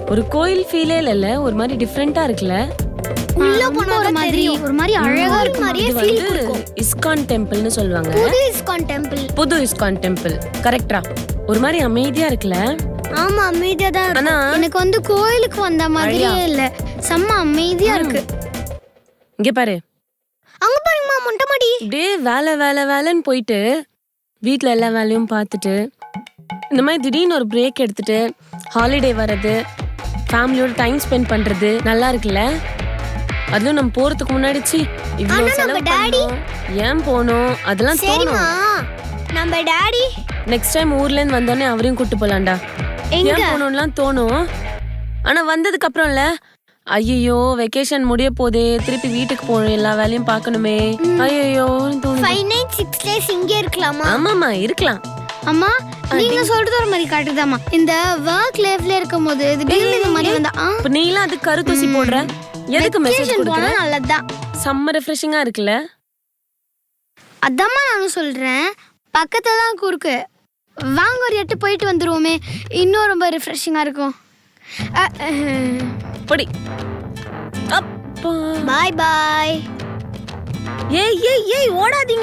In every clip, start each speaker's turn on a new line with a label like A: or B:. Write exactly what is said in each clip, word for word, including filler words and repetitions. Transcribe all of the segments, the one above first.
A: ஒரு கோயில் ஃபீலே இல்ல, ஒரு மாதிரி டிஃபரெண்டா இருக்குல்ல.
B: உள்ள போன ஒரு மாதிரி ஒரு மாதிரி அழகா இருக்கு மாதிரியே ஃபீல் கொடுக்கும்.
A: இஸ்கான் டெம்பிள்னு சொல்வாங்க.
B: புது இஸ்கான் டெம்பிள்.
A: புது இஸ்கான் டெம்பிள். கரெக்ட்டா? ஒரு மாதிரி அமைதியா இருக்குல்ல.
B: ஆமா அமைதியா தான் இருக்கு. எனக்கு வந்து கோயிலுக்கு வந்த மாதிரியே இல்ல. செம்ம அமைதியா இருக்கு.
A: இங்க பாரு.
B: அங்க பாருங்கம்மா மொட்டை மாடி.
A: அப்படியே வேலை வேலை வேலைன்னு போயிட்டு வீட்டில் எல்லா வேலையும் பார்த்துட்டு இந்த மாதிரி திடீர்னு ஒரு பிரேக் எடுத்துட்டு ஹாலிடே வர்றது, ஃபேமிலியோட டைம் ஸ்பெண்ட் பண்றது நல்லா இருக்குல்ல. அதுவும் நம்ம போறதுக்கு முன்னாடி சி இவ்வளவு செலவு பண்ணோம், ஏன் போனோம் அதெல்லாம் தோணும்.
B: நம்ம டாடி
A: நெக்ஸ்ட் டைம் ஊர்ல இருந்து வந்தோடனே அவரையும் கூட்டு போலாம்டா. ஏன் போனோம்லாம் தோணும். ஆனா வந்ததுக்கு அப்புறம் இல்ல, ஐயோ வெக்கேஷன் முடிய போதே, திருப்பி வீட்டுக்கு போகணும், எல்லா வேலையும் பார்க்கணுமே, ஐயோ தோணும்.
B: ஃபைவ் நைட் சிக்ஸ் டேஸ் இங்கே இருக்கலாமா?
A: ஆமாமா இருக்கலாம்.
B: அம்மா நீங்க சொல்றது ஒரு மாதிரி காட்டுதாமா. இந்த வர்க் லைஃப்ல இருக்கும்போது திடீர்னு இந்த மாதிரி வந்தா
A: இப்ப நீலாம் அது கருத்தூசி போடுற, எதுக்கு மெசேஜ் கொடுக்குற?
B: நல்லதுதான்,
A: செம்ம ரிஃப்ரெஷிங்கா இருக்குல்ல.
B: அதாம்மா நானும் சொல்றேன், பக்கத்துல தான் குறுக்கு, வாங்க ஒரு எட்டு போயிட்டு வந்துருவோமே, இன்னும் ரொம்ப ரிஃப்ரெஷிங்கா இருக்கும்.
A: படி அப்பா.
B: பாய் பாய்.
A: ஏய் ஏய் ஏய் ஓடாதீங்க.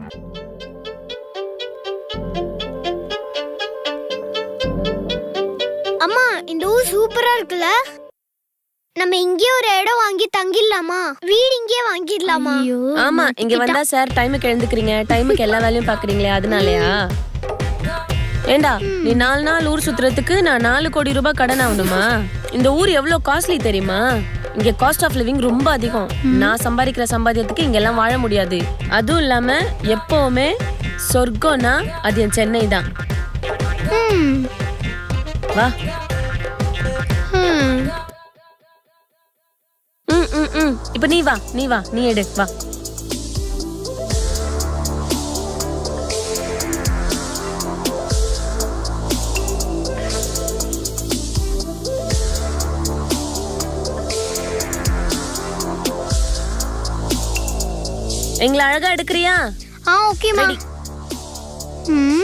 B: அம்மா இந்த ஊர் சூப்பரா இருக்குல்ல. நம்ம இங்கே ஒரு இடம் வாங்கி தங்கிடலாமா? வீடு இங்கே வாங்கிடலாமா?
A: ஆமா இங்க வந்தா சார் டைமுக்கு எழுந்துக்கிறீங்க, டைமுக்கு எல்லா வேலையும் பாக்குறீங்களே அதனாலயா? ஏண்டா நீ நாலு நாள் ஊர் சுத்துறதுக்கு நான் நாலு கோடி ரூபாய் கடன் ஆகணுமா? இந்த ஊர் எவ்வளவு காஸ்ட்லி தெரியுமா? இங்க காஸ்ட் ஆஃப் லிவிங் ரொம்ப அதிகம். நான் சம்பாதிக்கிற சம்பாதியத்துக்கு இங்க எல்லாம் வாழ முடியாது. அதுவும் இல்லாம எப்பவுமே சொர்க்கம்னா அது என் சென்னை தான். வா. ம் ம் ம் இப்ப நீ வா, நீ வா, நீ எடு வா. எங்களை அழகா எடுக்கிறியா?
B: ஆ ஓகேமா. ம்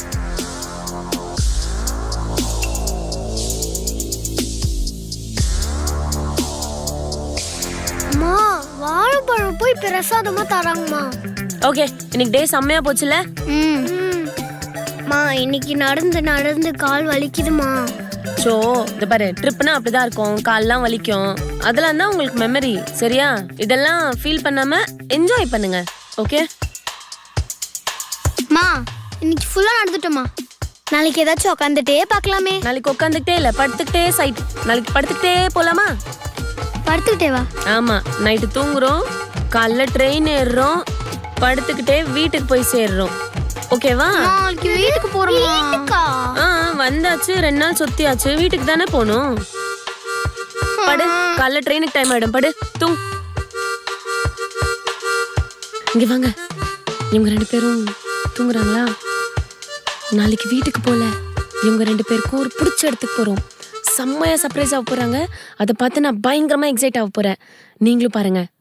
B: அம்மா வாழைப்பழம் போய் பிரசாதமா தராங்கம்மா.
A: ஓகே இன்னைக்கு டே செம்மையா போச்சுல.
B: ம் மா இன்னைக்கு நடந்து நடந்து கால் வலிக்குதுமா.
A: சோ இந்த பாரு, ட்ரிப்னா அப்படிதான் இருக்கும், கால்லாம் வலிக்கும், அதெல்லாம் தான் உங்களுக்கு மெமரி. சரியா? இதெல்லாம் ஃபீல் பண்ணாம என்ஜாய் பண்ணுங்க. ஓகே
B: மா இன்னைக்கு ஃபுல்லா நடந்துட்டோமா, நாளைக்கு ஏதாச்சும் உட்காந்துட்டே பார்க்கலாமே.
A: நாளைக்கு உட்காந்துக்கிட்டே இல்ல, படுத்துக்கிட்டே சைட். நாளைக்கு படுத்துக்கிட்டே போலாமா?
B: படுத்துக்கிட்டே வா.
A: ஆமா நைட்டு தூங்குறோம், காலைல ட்ரெயின் ஏறுறோம், படுத்துக்கிட்டே வீட்டுக்கு போய் சேர்றோம். ஓகேவா?
B: நாளைக்கு வீட்டுக்கு போறோமா?
A: ஆ வந்தாச்சு, ரெண்டு நாள் சுத்தியாச்சு, வீட்டுக்கு தானே போகணும். படு, காலைல ட்ரெயினுக்கு டைம் ஆயிடும், படு தூங். இங்க வாங்க, இவங்க ரெண்டு பேரும் தூங்குறாங்களா? நாளைக்கு வீட்டுக்கு போல இவங்க ரெண்டு பேருக்கும் ஒரு பிடிச்ச இடத்துக்கு போறோம். செம்மையா சர்ப்ரைஸ் ஆக போறாங்க. அதை பார்த்து நான் பயங்கரமா எக்ஸைட் ஆக போறேன். நீங்களும் பாருங்க.